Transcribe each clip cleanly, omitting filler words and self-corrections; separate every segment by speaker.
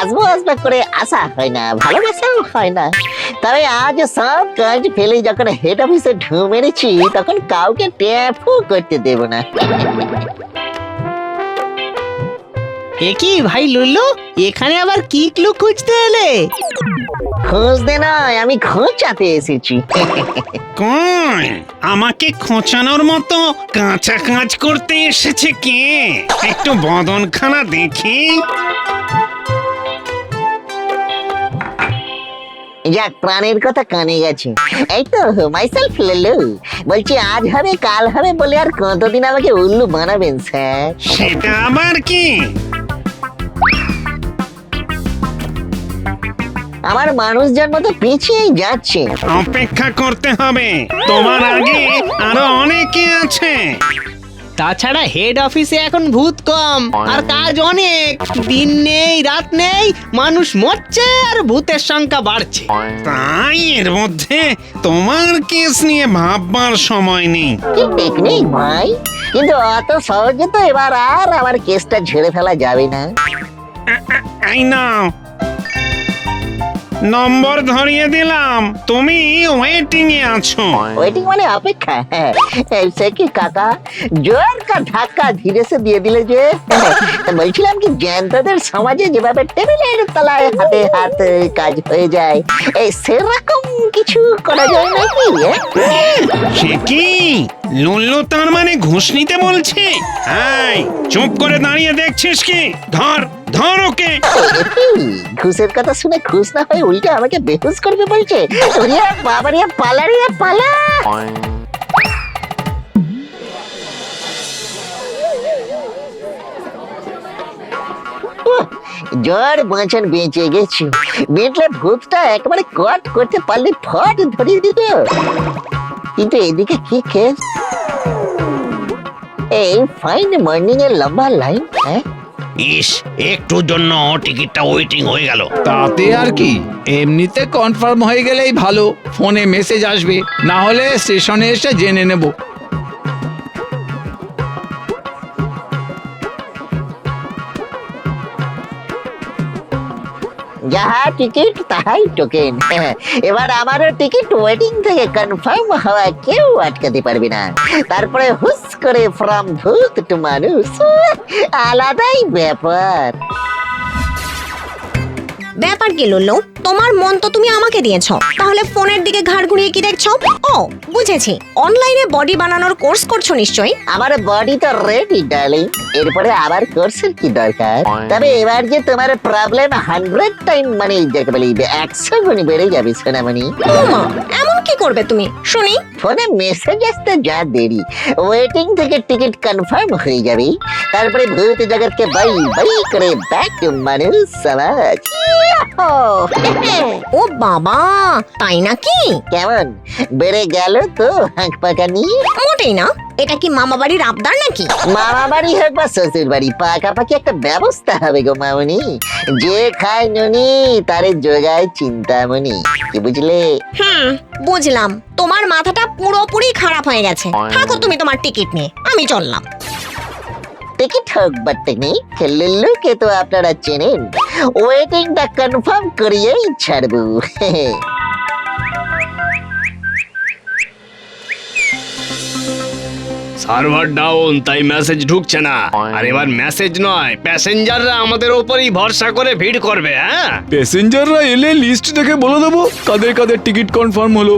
Speaker 1: আসবো আসবো করে আসা হয় না, ভালোবাসাও হয় না। তবে আজ সব কাজ ফেলে যখন হেড অফিসে ঢু মেরেছি, তখন কাউকে ট্যাপও করতে দেব না।
Speaker 2: কি ভাই লুল্লু, এখানে আবার কি ক্লু খুঁজতে এলে?
Speaker 1: খুঁজতে নয়, আমি খোঁচাতে এসেছি।
Speaker 3: কই আমাকে খোঁচানোর মতো কাঁচা কাজ করতে এসেছে কে? একটু বদনখানা দেখি।
Speaker 1: যাক, প্রাণের কথা কানে গেছে। এই তো মাইসেলফ লুল্লু, বলছি আজ হবে কাল হবে বলে আর কতদিন আমাকে উল্লু বানাবেন স্যার?
Speaker 3: সেটা আবার কি?
Speaker 1: আমার মানুষজন মতো পিছিয়েই যাচ্ছে।
Speaker 3: অপেক্ষা করতে হবে, তোমার আগে আরো অনেকে আছে।
Speaker 2: তাছাড়া হেড অফিসে এখন ভূত কম আর কাজ অনেক। দিন নেই রাত নেই, মানুষ মরছে আর ভূতের সংখ্যা বাড়ছে।
Speaker 3: তাই এর মধ্যে তোমার কেস নিয়ে ভাববার সময় নেই।
Speaker 1: কি টেকনিক ভাই, কিন্তু অত সহজে তো এবার আর আমার কেসটা ঝেড়ে ফেলা যাবে না।
Speaker 3: এই নাও, নম্বর ধরিয়ে দিলাম, তুমি ওয়েটিং এ আছো।
Speaker 1: ওয়েটিং মানে অপেক্ষা? হ্যাঁ, সে কি কাকা, জোর কা ধাক্কা ধীরে সে দিয়ে দিলে যে। বলছিলাম কি, জ্যান্তদের সমাজে যেভাবে টেবিলের তলায় হাতে হাত কাজ হয়ে যায়, এই সেরকম কিছু করা যায় নাকি?
Speaker 3: সে কি লুল্লু তার মানে ঘুষ নিতে বলছে? এই চুপ করে দাঁড়িয়ে দেখছিস কি? ধর ধর ওকে।
Speaker 1: ঘুষের কথা শুনে খুশ না হয়ে উল্টে আমাকে বেহুশ করবে বলছে। ওরে বাবা রে, পালা রে পালা। জ্বর বাঁচান বেঁচে গেছি। বেঁচলে ভূতটা একেবারে কট করতে পারলে ফট ধরিয়ে দিত। কিন্তু এদিকে কি কেস? এই ফাইন মর্নিং এর লম্বা লাইন। হ্যাঁ,
Speaker 4: ইস, একটুর জন্য টিকিটটা ওয়েটিং হয়ে গেল।
Speaker 5: তাতে আর কি, এমনিতে কনফার্ম হয়ে গেলেই ভালো। ফোনে মেসেজ আসবে, না হলে স্টেশনে এসে জেনে নেব।
Speaker 1: যাহা টিকিট তাহাই টোকেন। এবার আমারও টিকিট ওয়েটিং থেকে কনফার্ম হওয়া কেউ আটকাতে পারবে না। তারপরে হুস করে ফ্রম ভূত টু মানুষ, আলাদাই ব্যাপার।
Speaker 6: ব্যাপার কি লুল্লু, তোমার মন তো তুমি আমাকে দিয়েছো, তাহলে ফোনের দিকে ঘাড় ঘুরিয়ে কি দেখছো? ও বুঝেছি, অনলাইনে বডি বানানোর কোর্স করছো নিশ্চয়ই।
Speaker 1: আমার বডি তো রেডি ডার্লিং, এরপরে আবার কোর্সের কি দরকার? তবে এবার যে তোমার প্রবলেম 100 টাইম মানে যাকে বলি 100 গুণ বেড়ে যাবে সোনামণি।
Speaker 6: ওমা, এমন কি করবে তুমি শুনি?
Speaker 1: ফোনে মেসেজ আসতে যা দেরি, ওয়েটিং থেকে টিকিট কনফার্ম হয়ে যাবে। তারপরে ভূত জগৎকে বাই বাই করে ব্যাক মানুষ সমাজ।
Speaker 6: ও বাবা, তাই নাকি?
Speaker 1: কেমন বেড়ে গেল তো হাঁক পাকানি?
Speaker 6: মোটেই না। এটা কি মামা বাড়ির আবদার নাকি?
Speaker 1: মামা বাড়ি হোক বা শ্বশুর বাড়ি, পাকাপাকি একটা ব্যবস্থা হবে গো মামনি। যে খায় নুনি তারে যোগায় চিন্তামণি, কি বুঝলে?
Speaker 6: বুঝলাম। তোমার মাথাটা পুরোপুরি খারাপ হয়ে গেছে। থাকো তুমি তোমার টিকিট নিয়ে, আমি চললাম।
Speaker 1: টিকিট হোক বা টেকনিক, লুল্লুকে তো আপনারা চেনেন। ওয়েটিংটা কনফার্ম করিয়েই ছাড়বো।
Speaker 4: সার্ভার ডাউন, তাই মেসেজ ঢুকছে না। আর এবার মেসেজ নয়, প্যাসেঞ্জাররা আমাদের উপরই ভরসা করে ভিড় করবে। হ্যাঁ,
Speaker 5: প্যাসেঞ্জাররা এলে লিস্ট দেখে বলে দেবো কাদের কাদের টিকিট কনফার্ম হলো।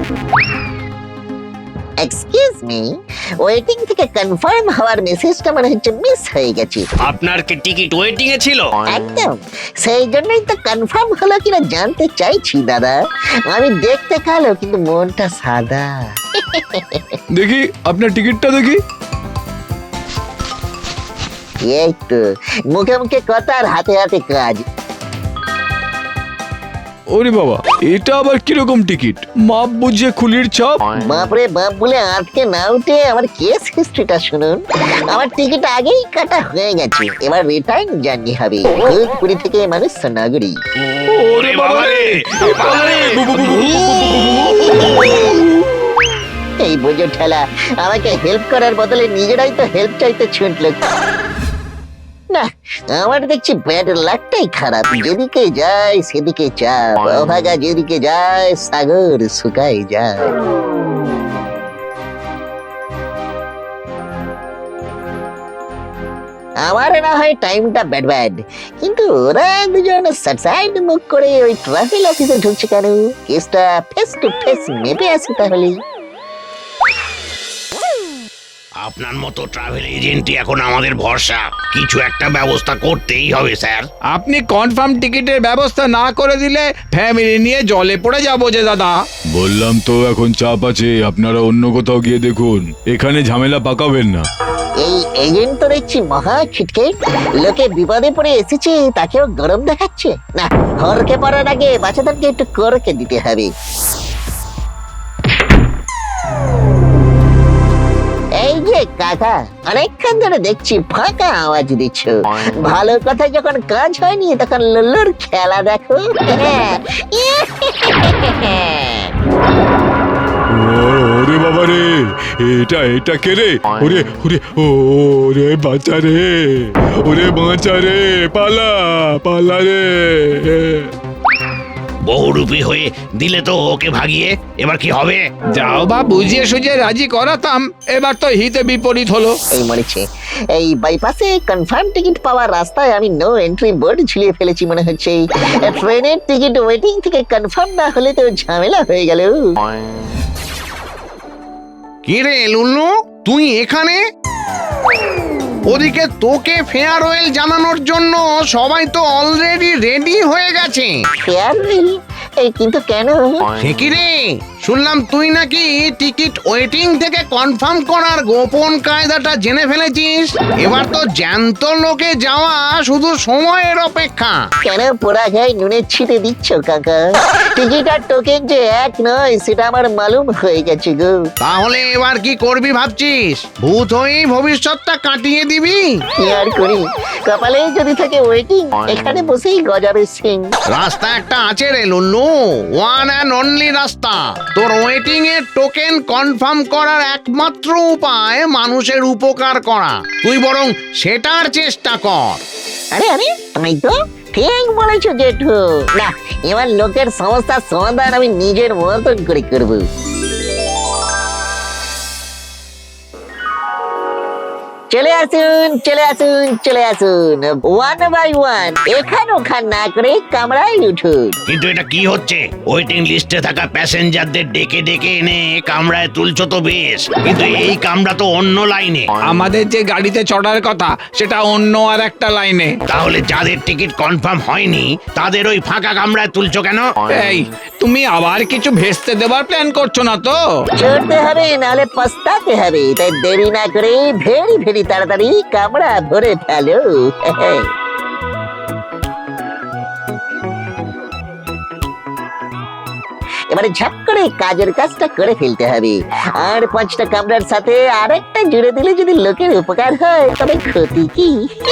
Speaker 1: এক্সকিউজ মি, ওয়েটিং থেকে কনফার্ম হওয়ার মেসেজটা মনে হচ্ছে মিস হয়ে গেছে।
Speaker 4: আপনার কি টিকিট ওয়েটিং এ ছিল?
Speaker 1: একদম, সেই জন্যই তো কনফার্ম হলো কিনা জানতে চাইছি দাদা। আমি দেখতে কালো কিন্তু মনটা সাদা।
Speaker 5: দেখি আপনার টিকিটটা দেখি।
Speaker 1: এই তো মুখে মুখে কথা আর হাতে হাতে কাজ।
Speaker 5: ওরে বাবা, এটা আবার কিরকম টিকিট? মাপ বুঝে খুলির ছাপ।
Speaker 1: বাপরে বাপ বলে আটকে না উঠে আমার কেস হিস্ট্রিটা শুনুন। আমার টিকিট আগেই কাটা হয়ে গেছে, এবার রিটার্ন জার্নি হবে ভূতপুরি থেকে মানুষ নগরী।
Speaker 4: ওরে বাবা রে,
Speaker 1: এই বোঝো ঠেলা আমাকে হেল্প করার বদলে নিজেরাই তো হেল্প চাইতে ছুটলো। না, আমার দেখছি ব্যাড লাকটাই খারাপ। যেদিকে যায় সেদিকে চাপ, অভাগা যেদিকে যায় সাগর শুকাই যায়। আমার না হয় টাইমটা ব্যাড ব্যাড, কিন্তু ওরা দুজন সাইড মুখ করে ওই ট্রাভেল অফিসে ঢুকছে কেন? কেসটা ফেস টু ফেস মেপে আসি তাহলে।
Speaker 4: আপনার মতো ট্রাভেল এজেন্টই এখন আমাদের ভরসা। কিছু একটা ব্যবস্থা করতেই হবে স্যার।
Speaker 5: আপনি কনফার্ম টিকিটের ব্যবস্থা না করে দিলে ফ্যামিলি নিয়ে জলে পড়ে যাবো যে দাদা।
Speaker 7: বললাম তো এখন চাপ আছে, আপনারা অন্য কোথাও গিয়ে দেখুন, এখানে ঝামেলা পাকাবেন না।
Speaker 1: এই এজেন্ট তো দেখছি মহা ছিটকে, লোকে বিপদে পড়ে এসেছে তাকেও গরম দেখাচ্ছে। না, হরকে পড়ার আগে বাচ্চাদেরকে একটু করকে দিতে হবে। এই যে কাকা, অনেকক্ষণ ধরে দেখছি ফাঁকা আওয়াজ দিচ্ছ। ভালো কথা যখন কাজ হয়নি তখন লুল্লুর খেলা দেখো।
Speaker 7: ওরে বাবা রে, এটা কে রে? ওরে ওরে ওরে বাঁচা রে, ওরে বাঁচা রে, পালা রে।
Speaker 4: বহুরূপী হয়ে দিলে তো ওকে ভাগিয়ে, এবার কি হবে?
Speaker 5: যাও বা বুঝিয়ে সুঝিয়ে রাজি করাতাম, এবার তো হিতে বিপরীত হলো।
Speaker 1: এই মরেছে, এই বাইপাসে কনফার্ম টিকিট পাওয়ার রাস্তায় আমি নো এন্ট্রি বোর্ড ঝুলিয়ে ফেলেছি মনে হচ্ছে। ট্রেনের টিকিট ওয়েটিং থেকে কনফার্ম না হলে তো ঝামেলা হয়ে গেল।
Speaker 4: কি রে লুল্লু, তুই এখানে? ওদিকে তোকে ফেয়ারওয়েল জানানোর জন্য সবাই তো অলরেডি রেডি হয়ে গেছে।
Speaker 1: ফেয়ারওয়েল? এই কিন্তু কেন?
Speaker 4: সে কি রে, শুনলাম তুই নাকি টিকিট ওয়েটিং থেকে কনফার্ম করার গোপন কায়দাটা জেনে ফেলেছিস। এবার তো জ্যান্ত লোকে যাওয়া শুধু সময়ের অপেক্ষা।
Speaker 1: কেন পোড়া গায়ে নুনের ছিটে দিচ্ছ কাকা? টিকিট আর টোকেন যে এক নয় সেটা আমার মালুম হয়ে গেছে গো।
Speaker 4: তাহলে এবার কি করবি ভাবছিস? ভূত হয়েই ভবিষ্যৎটা কাটিয়ে দিবি?
Speaker 1: কি আর করি, কপালে যদি থাকে ওয়েটিং, এখানে বসেই গজাবে সিং।
Speaker 4: রাস্তা একটা আছে রে লুল্লু, ওয়ান অ্যান্ড অনলি রাস্তা। তোর ওয়েটিং এর টোকেন কনফার্ম করার একমাত্র উপায় মানুষের উপকার করা। তুই বরং সেটার চেষ্টা কর।
Speaker 1: আরে আরে, তাই তো, ঠিক বলেছো জেঠু। না, এবার লোকের সমস্যার সমাধান আমি নিজের মতন করে করবো। চলে আসুন চলে আসুন চলে আসুন, ওয়ান বাই ওয়ান, এখান ওখান না করে কামরায় উঠুন।
Speaker 4: কিন্তু এটা কি হচ্ছে? ওয়েটিং লিস্টে থাকা প্যাসেঞ্জারদের ডেকে ডেকে এনে কামরায় তুলছো তো বেশ, কিন্তু এই কামরা তো অন্য লাইনে।
Speaker 5: আমাদের যে গাড়িতে চড়ার কথা সেটা অন্য আর একটা লাইনে।
Speaker 4: তাহলে যাদের টিকিট কনফার্ম হয়নি তাদের ওই ফাঁকা কামরায় তুলছো কেন?
Speaker 5: এই, তুমি আবার কিছু ভেস্তে দেবার প্ল্যান করছো না তো?
Speaker 1: চড়তে হবে নাহলে পস্তাতে হবে, তাই দেরি না করে ভেরি ভেরি তাড়াতাড়ি কামড়া ভরে ফেলো। এবারে ঝাপ করে কাজের কাজটা করে ফেলতে হবে। আর 5টা কামড়ার সাথে আরেকটা জুড়ে দিলে যদি লোকের উপকার হয় তবে ক্ষতি কি?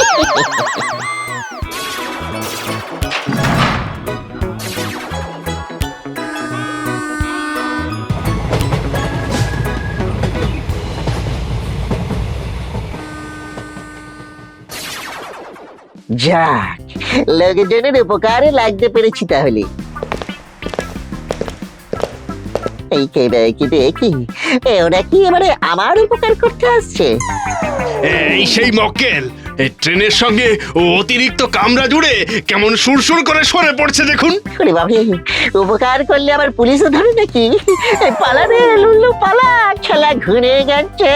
Speaker 1: যাক, লোকজনের উপকারে লাগতে পেরেছি তাহলে। এই কি ওরা কি এবারে আমার উপকার করতে আসছে?
Speaker 8: এই সেই মক্কেল, এই ট্রেনের সঙ্গে অতিরিক্ত কামরা জুড়ে কেমন সুরসুর করে সরে পড়ছে দেখুন।
Speaker 1: ওরে বাবা, উপকার করলে আবার পুলিশও ধরে নাকি? পালা রে লুল্লু পালা, খেলা ঘুরে গেছে।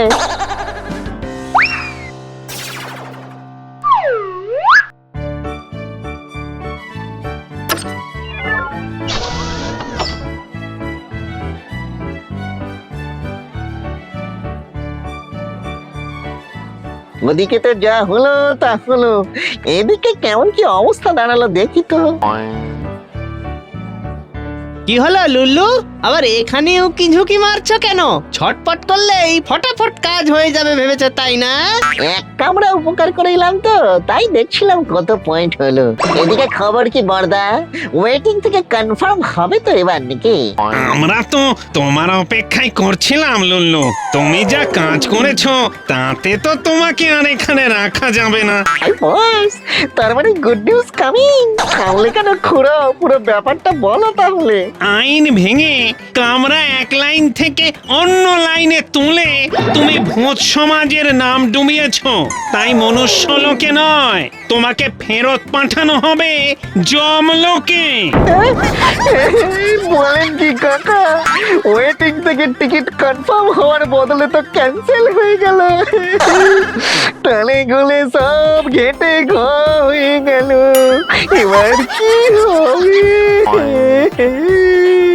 Speaker 1: ওদিকে তো যা হলো তা হলো, এদিকে কেমন কি অবস্থা দাঁড়ালো দেখি তো।
Speaker 2: কি হলো লুল্লু, আবার এখানেও কি ঝুঁকি মারছো কেন? ছটপট করলেই ফটাফট কাজ হয়ে যাবে ভেবেছো তাই না?
Speaker 1: এক কামড়া উপকার করে এলাম তো, তাই দেখছিলাম কত পয়েন্ট হলো। এদিকে খবর কি বর্দা, ওয়েটিং থেকে কনফার্ম হবে তো এবার নাকি?
Speaker 3: আমরা তো তোমার অপেক্ষায় করছিলাম লুল্লু। তুমি যা কাজ করেছো তাতে তো তোমাকে আর এখানে রাখা যাবে না।
Speaker 1: বস, তার মানে গুড নিউজ কামিং। তাহলে কেন খুড়ো, পুরো ব্যাপারটা বলো তাহলে।
Speaker 3: আইন ভেঙে কামরা এক লাইন থেকে অন্য লাইনে তুলে তুমি ভূত সমাজের নাম ডুবিয়েছো। তাই মনুষ্যলোকে নয়, তোমাকে ফেরত পাঠানো হবে যমলোকে।
Speaker 1: বলেন কি কাকা, ওয়েটিং থেকে টিকিট কনফার্ম হওয়ার বদলে তো ক্যান্সেল হয়ে গেল। টালে গুলে সব ঘেটে ঘ হয়ে গেল, এবার কি হবে?